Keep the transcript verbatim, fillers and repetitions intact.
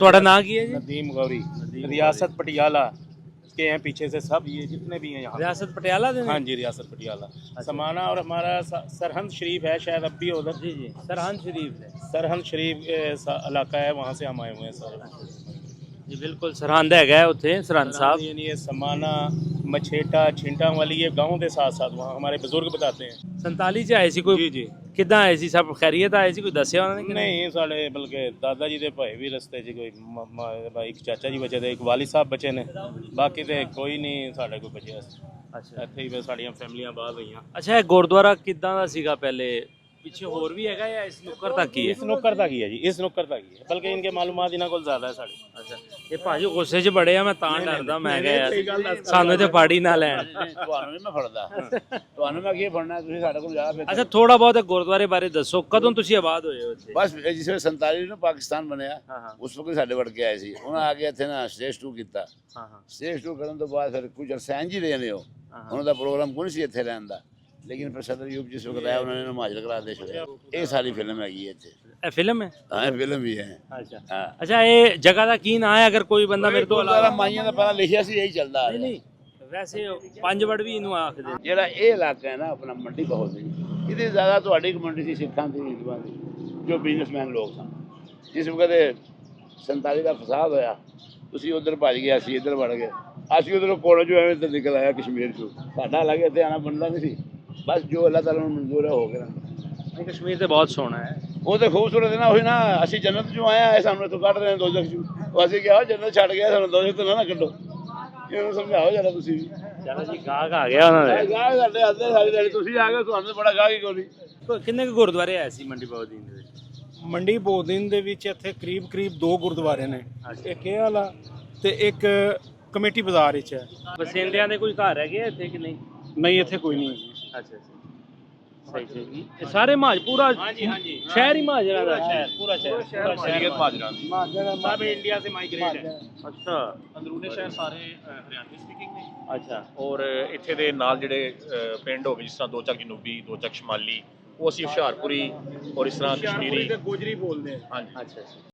ਤੁਹਾਡਾ ਨਾਂ ਕੀ ਹੈ ਜੀ? नदीम गौरी, रियासत पटियाला के हैं पीछे से सब, ये जितने भी हैं यहाँ। रियासत पटियाला से? हाँ जी, रियासत पटियाला समाना। और हमारा स- सरहंद शरीफ है, शायद अब भी है उधर। जी जी, सरहंद शरीफ है सरहंद शरीफ के सा- इलाका है, वहाँ से हम आए हुए हैं सारे। जी बिल्कुल, सरहंद है उत्थे सरहंद साहब। यानी ये समाना, मछेटा, छिंटा वाली ये गाँव के साथ साथ वहाँ हमारे बुजुर्ग बताते हैं। संताली च आए सी कोई? जी जी। किदां आए सी? सब खैरियत आए सी? कोई दस्या उन्होंने कि नहीं साढ़े बल्कि दादा जी के भाई भी रस्ते च, कोई म- म- एक चाचा जी बचे थे, एक वाली साहब बचे ने, बाकी तो कोई नहीं साढ़े कोई बचे। अच्छा ਇੱਥੇ ਹੀ ਬਸ ਸਾਡੀਆਂ ਫੈਮਲੀਆਂ ਬਾਹਰ ਰਹੀਆਂ। ਅੱਛਾ, ਇਹ ਗੁਰਦੁਆਰਾ ਕਿਦਾਂ ਦਾ ਸੀਗਾ ਪਹਿਲੇ? ਪਿੱਛੇ ਹੋਰ ਵੀ ਹੈਗਾ ਜਾਂ ਇਸ ਨੁੱਕਰ ਤੱਕ ਹੀ ਹੈ? ਇਸ ਨੁੱਕਰ ਤੱਕ ਹੀ ਹੈ ਜੀ, ਇਸ ਨੁੱਕਰ ਤੱਕ ਹੀ ਹੈ, ਬਲਕਿ ਇਨਕੇ ਮਾਲੂਮਾਤ ਇਹਨਾਂ ਕੋਲ ਜ਼ਿਆਦਾ ਹੈ ਸਾਡੇ। ਅੱਛਾ, ਇਹ ਭਾਜੀ ਗੁੱਸੇ 'ਚ ਬੜੇ ਆ, ਮੈਂ ਤਾਂ ਡਰਦਾ, ਮੈਂ ਕਿਹਾ ਯਾਰ ਸਾਨੂੰ ਤੇ ਪਾੜੀ ਨਾ ਲੈਣ। ਤੁਹਾਨੂੰ ਨਹੀਂ ਮੈਂ ਫੜਦਾ, ਤੁਹਾਨੂੰ ਮੈਂ ਕੀ ਫੜਨਾ, ਤੁਸੀਂ ਸਾਡੇ ਕੋਲ ਜ਼ਿਆਦਾ। ਅੱਛਾ, ਥੋੜਾ ਬਹੁਤ ਗੁਰਦੁਆਰੇ ਬਾਰੇ ਦੱਸੋ, ਕਦੋਂ ਤੁਸੀਂ ਆਬਾਦ ਹੋਏ ਹੋ ਇੱਥੇ? ਬਸ ਜਿਸ ਵੇਲੇ ਸੰਤਾਲੀ ਨੂੰ ਪਾਕਿਸਤਾਨ ਬਣਿਆ, ਹਾਂ ਹਾਂ ਉਸ ਵਕਤ ਸਾਡੇ ਵੜ ਕੇ ਆਏ ਸੀ। ਉਹਨਾਂ ਆ ਕੇ ਇੱਥੇ ਨਾ ਸਟੇਜ ਟੂ ਕੀਤਾ। ਹਾਂ ਹਾਂ ਸਟੇਜ ਟੂ ਕਰਨ ਤੋਂ ਬਾਅਦ ਫਿਰ ਕੁਝ ਅਰਸੈਨ ਜੀ ਰਹੇ ਨੇ, ਉਹ ਉਹਨਾਂ ਦਾ ਪ੍ਰੋਗਰਾਮ ਕੋਈ ਸੀ ਇੱਥੇ ਰਹਿਣ ਦਾ, ਲੇਕਿਨ ਫਿਰ ਸਦਰ ਯੂਪ ਜਿਸ ਵਕਤ ਆਇਆ ਉਹਨਾਂ ਨੇ ਹਿਮਾਚਲ ਕਰਾ ਦੇ ਛੱਡਿਆ। ਇਹ ਸਾਰੀ ਫਿਲਮ ਹੈਗੀ ਹੈ ਇੱਥੇ। ਇਹ ਫਿਲਮ ਹੈ? ਹਾਂ, ਇਹ ਫਿਲਮ ਵੀ ਹੈ। ਅੱਛਾ ਹਾਂ, ਅੱਛਾ, ਇਹ ਜਗ੍ਹਾ ਦਾ ਕੀ ਨਾਂ ਹੈ? ਅਗਰ ਕੋਈ ਬੰਦਾ ਮੇਰੇ ਤੋਂ ਗੁਰਦੁਆਰਾ ਮਾਈਆਂ ਦਾ ਪਹਿਲਾਂ ਲਿਖਿਆ ਸੀ, ਇਹੀ ਚੱਲਦਾ ਆ ਨਹੀਂ ਰਿਹਾ। ਨਹੀਂ, ਵੈਸੇ ਪੰਜ ਵੜ ਵੀ ਇਹਨੂੰ ਆਖਦੇ ਨੇ। ਜਿਹੜਾ ਇਹ ਇਲਾਕਾ ਹੈ ਨਾ ਆਪਣਾ ਮੰਡੀ ਬਹੁਤ ਸੀ, ਇਹਦੇ ਜ਼ਿਆਦਾ ਤੁਹਾਡੀ ਕਮਿਊਨਿਟੀ ਸੀ, ਸਿੱਖਾਂ ਦੀ, ਹਿੰਦੂਆਂ ਦੀ, ਜੋ ਬਿਜ਼ਨਸਮੈਨ ਲੋਕ ਸਨ। ਜਿਸ ਵਕਤ ਸੰਤਾਲੀ ਦਾ ਫਸਾਦ ਹੋਇਆ, ਤੁਸੀਂ ਉਧਰ ਭੱਜ ਗਏ, ਅਸੀਂ ਇੱਧਰ ਵੜ ਗਏ। ਅਸੀਂ ਉਧਰੋਂ ਕੋਲੋਂ ਜੋ ਐਵੇਂ ਤੇ ਨਿਕਲ ਆਇਆ ਕਸ਼ਮੀਰ ਚੋਂ। ਸਾਡਾ ਲੱਗੇ ਇੱਥੇ ਆਉਣਾ ਬਣਦਾ ਨਹੀਂ ਸੀ, ਬਸ ਜੋ ਅੱਲਾਹ ਤਾਲਾ ਨੂੰ ਮਨਜ਼ੂਰ ਹੈ ਹੋ ਗਿਆ। ਨਹੀਂ, ਕਸ਼ਮੀਰ ਤੇ ਬਹੁਤ ਸੋਹਣਾ ਹੈ। ਉਹ ਤੇ ਖੂਬਸੂਰਤ ਹੈ ਨਾ, ਉਹੀ ਨਾ, ਅਸੀਂ ਜੰਨਤ ਚੋਂ ਆਏ ਆ, ਇਹ ਸਾਨੂੰ ਇੱਥੋਂ ਕੱਢ ਰਹੇ ਨੇ ਦੋਜ਼ਖ ਚੋਂ। ਉਹ ਅਸੀਂ ਕਿਹਾ ਜੰਨਤ ਛੱਡ ਗਿਆ, ਸਾਨੂੰ ਦੋਜ਼ਖ ਤੋਂ ਨਾ ਨਾ ਕੱਢੋ। ਇਹਨੂੰ ਸਮਝਾਓ ਜਰਾ ਤੁਸੀਂ ਵੀ। ਚਲੋ ਜੀ, ਗਾਹਕ ਆ ਗਿਆ ਉਹਨਾਂ ਦੇ। ਗਾਹ ਸਾਡੇ ਆਦੇ ਸਾਰੀ ਦਿਹਾੜੀ, ਤੁਸੀਂ ਆ ਗਏ, ਤੁਹਾਨੂੰ ਬੜਾ ਗਾਹ ਹੀ ਕੋਈ ਨਹੀਂ। ਕਿੰਨੇ ਕੁ ਗੁਰਦੁਆਰੇ ਆਏ ਸੀ ਮੰਡੀ ਬਾਉਦੀਨ ਦੇ ਵਿੱਚ? ਮੰਡੀ ਬੋਦਿਨ ਦੇ ਵਿੱਚ ਇੱਥੇ ਕਰੀਬ ਕਰੀਬ ਦੋ ਗੁਰਦੁਆਰੇ ਨੇ, ਇੱਕ ਇਹ ਵਾਲਾ ਤੇ ਇੱਕ ਕਮੇਟੀ ਬਾਜ਼ਾਰ ਵਿੱਚ ਹੈ। ਬਸਿੰਦਿਆਂ ਦੇ ਕੋਈ ਘਰ ਹੈਗੇ ਆ ਇੱਥੇ ਕਿ ਨਹੀਂ? ਨਹੀਂ, ਇੱਥੇ ਕੋਈ ਨਹੀਂ ਹੈ ਜੀ। ਅੱਛਾ ਅੱਛਾ, ਸਹੀ ਸਹੀ। ਇਹ ਸਾਰੇ ਮਾਜ ਪੂਰਾ? ਹਾਂਜੀ ਹਾਂਜੀ, ਸ਼ਹਿਰ ਹੀ ਮਾਜਰਾ ਦਾ? शहर पूरा शहर पूरा शहर माजरा सब इंडिया से माइग्रेट है। ਅੱਛਾ ਅੰਦਰੂਨੀ ਸ਼ਹਿਰ ਸਾਰੇ ਅ, ਹਰਿਆਣਵੀ ਸਪੀਕਿੰਗ ਨੇ। ਅੱਛਾ, ਔਰ ਇੱਥੇ ਦੇ ਨਾਲ ਜਿਹੜੇ ਅ, ਪਿੰਡ ਹੋ ਗਏ, ਜਿਸ ਤਰ੍ਹਾਂ ਦੋ ਚੱਕ ਜਨੂਬੀ, ਦੋ ਚੱਕ ਸ਼ਮਾਲੀ, ਉਹ ਅਸੀਂ ਹੁਸ਼ਿਆਰਪੁਰੀ ਔਰ ਇਸ ਤਰ੍ਹਾਂ ਕਸ਼ਮੀਰੀ ਗੋਜਰੀ ਬੋਲਦੇ ਆ। ਹਾਂਜੀ। ਅੱਛਾ ਅੱਛਾ।